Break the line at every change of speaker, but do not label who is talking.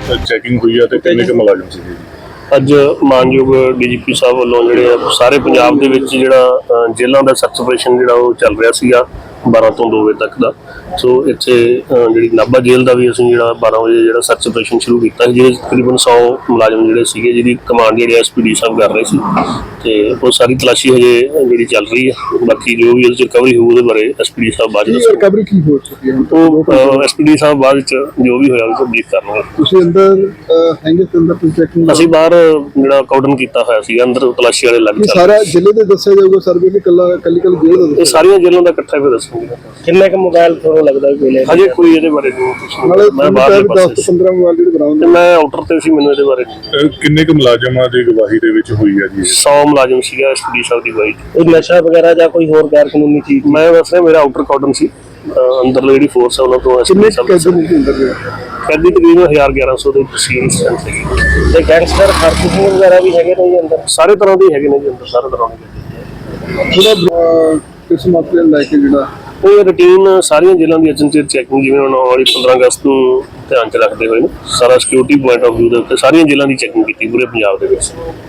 Checking ਹੋਈ ਹੈ ਤੇ ਕਿੰਨੇ ਕੁ ਮੁਲਾਜ਼ਮ ਸੀਗੇ?
ਅੱਜ ਮਾਨਯੋਗ ਡੀਜੀਪੀ ਸਾਹਿਬ ਵੱਲੋਂ ਜਿਹੜੇ ਸਾਰੇ ਪੰਜਾਬ ਦੇ ਵਿੱਚ ਜਿਹੜਾ ਜੇਲ੍ਹਾਂ ਦਾ ਸਰਚ ਆਪਰੇਸ਼ਨ ਜਿਹੜਾ ਉਹ ਚੱਲ ਰਿਹਾ ਸੀਗਾ 12 ਤੋਂ 2 ਵਜੇ ਤੱਕ ਦਾ। ਸੋ ਇੱਥੇ ਜਿਹੜੀ ਨਾਭਾ ਜੇਲ੍ਹ ਦਾ ਵੀ ਅਸੀਂ ਜਿਹੜਾ 12 ਵਜੇ ਜਿਹੜਾ ਸਰਚ ਆਪਰੇਸ਼ਨ ਸ਼ੁਰੂ ਕੀਤਾ ਸੀ, ਜਿਹਦੇ ਤਕਰੀਬਨ 100 ਮੁਲਾਜ਼ਮ ਜਿਹੜੇ ਸੀਗੇ, ਜਿਹਦੀ ਕਮਾਂਡ ਜਿਹੜੇ ਐਸਪੀਡੀ ਸਾਹਿਬ ਕਰ ਰਹੇ ਸੀ ਤੇ ਉਹ ਸਾਰੀ ਤਲਾਸ਼ੀ ਹਜੇ ਜਿਹੜੀ ਚੱਲ ਰਹੀ ਹੈ। ਬਾਕੀ ਜੋ ਵੀ ਉਹਦੇ ਚ ਰਿਕਵਰੀ ਹੋਊ ਉਹਦੇ ਬਾਰੇ ਐਸਪੀਡੀ ਸਾਹਿਬ ਬਾਅਦ ਵਿੱਚ
ਰਿਕਵਰੀ ਕੀ ਹੋ ਚੁੱਕੀ ਹੈ
ਉਹ ਐਸਪੀਡੀ ਸਾਹਿਬ ਬਾਅਦ ਵਿੱਚ ਜੋ ਵੀ ਹੋਇਆ ਉਹ ਬਰੀਫ ਕਰਨਗੇ।
ਤੁਸੀਂ ਅੰਦਰ ਹੈਂਗੇ ਤੇ ਅੰਦਰ ਤੁਸੀਂ ਚੈਕਿੰਗ
ਅਸੀਂ ਬਾਹਰ ਜਿਹੜਾ ਕਾਰਡਨ ਕੀਤਾ ਹੋਇਆ ਸੀ, ਅੰਦਰ ਤਲਾਸ਼ੀ ਵਾਲੇ ਲੱਗ ਚੱਲ
ਸਾਰਾ ਜ਼ਿਲ੍ਹੇ ਦੇ ਦੱਸਿਆ ਜਾਊਗਾ ਸਰਵੇ ਕਿ ਕੱਲੀ ਜੇਲ੍ਹ ਦਾ
ਇਹ ਸਾਰੀਆਂ ਜੇਲ੍ਹਾਂ ਦਾ ਇਕੱਠਾ ਵੀ ਦੱਸਾਂਗੇ।
ਕਿੰਨੇ ਕੁ ਮੋਬਾਈਲ ਤੁਹਾਨੂੰ ਲੱਗਦਾ ਮਿਲੇ?
ਹਜੇ ਕੋਈ ਇਹਦੇ ਬਾਰੇ
ਨਾਲੇ
ਮੈਂ ਬਾਹਰ
10 ਤੋਂ 15 ਮੋਬਾਈਲ ਜਿਹੜੇ ਬਰਾਮਦ
ਤੇ ਮੈਂ ਆਊਟਰ ਤੇ ਸੀ, ਮੈਨੂੰ ਇਹਦੇ ਬਾਰੇ
ਕਿੰਨੇ ਕੁ ਮੁਲਾਜ਼ਮਾਂ ਦੀ ਗਵਾਹੀ ਦੇ ਵਿੱਚ ਹੋਈ ਹੈ ਜੀ?
100 ਮੁਲਾਜ਼ਮ ਸੀਗਾ ਐਸਪੀਡੀ ਸਾਹਿਬ ਦੀ ਵਾਈਟ।
ਕੋਈ ਨਸ਼ਾ ਵਗੈਰਾ ਜਾਂ ਕੋਈ ਹੋਰ ਗੈਰ ਕਾਨੂੰਨੀ ਚੀਜ਼?
ਮੈਂ ਬਸ ਮੇਰਾ ਆਊਟਰ ਕਾਰਡਨ ਸੀ, ਅੰਦਰ ਜਿਹੜੀ ਫੋਰਸ ਹੈ ਉਹਨਾਂ ਤੋਂ
ਕਿੰਨੇ
ਐਸਪੀਡੀ ਸਾਹਿਬ
ਕੈਦੀ ਨੇ ਅੰਦਰ
ਕੈਦੀ ਤਕਰੀਬਨ 1100 ਦੇ ਸੀਰੀਅਸ ਸੈਂਸ ਸੀਗੀ।
ਤੇ ਗੈਂਗਸਟਰ ਹਰਕਤ ਵਗੈਰਾ ਵੀ ਹੈਗੇ ਨੇ ਜੀ ਅੰਦਰ?
ਸਾਰੇ ਤਰ੍ਹਾਂ ਦੇ ਹੈਗੇ ਨੇ ਜੀ ਅੰਦਰ, ਸਾਰੇ ਤਰ੍ਹਾਂ ਦੇ।
ਥੋੜਾ ਕਿਸ ਮਾਪੇ ਲੈ ਕੇ ਜਿਹੜਾ
ਉਹ ਰੂਟੀਨ ਸਾਰੀਆਂ ਜੇਲ੍ਹਾਂ ਦੀ ਅਚਨਚੇਤ ਚੈਕਿੰਗ ਜਿਵੇਂ ਹੁਣ ਆਉਣ ਵਾਲੀ 15 ਅਗਸਤ ਨੂੰ ਧਿਆਨ 'ਚ ਰੱਖਦੇ ਹੋਏ ਸਾਰਾ ਸਿਕਿਉਰਿਟੀ ਪੁਆਇੰਟ ਆਫ ਵਿਊ ਦੇ ਉੱਤੇ ਸਾਰੀਆਂ ਜੇਲ੍ਹਾਂ ਦੀ ਚੈਕਿੰਗ ਕੀਤੀ ਪੂਰੇ ਪੰਜਾਬ ਦੇ ਵਿੱਚ।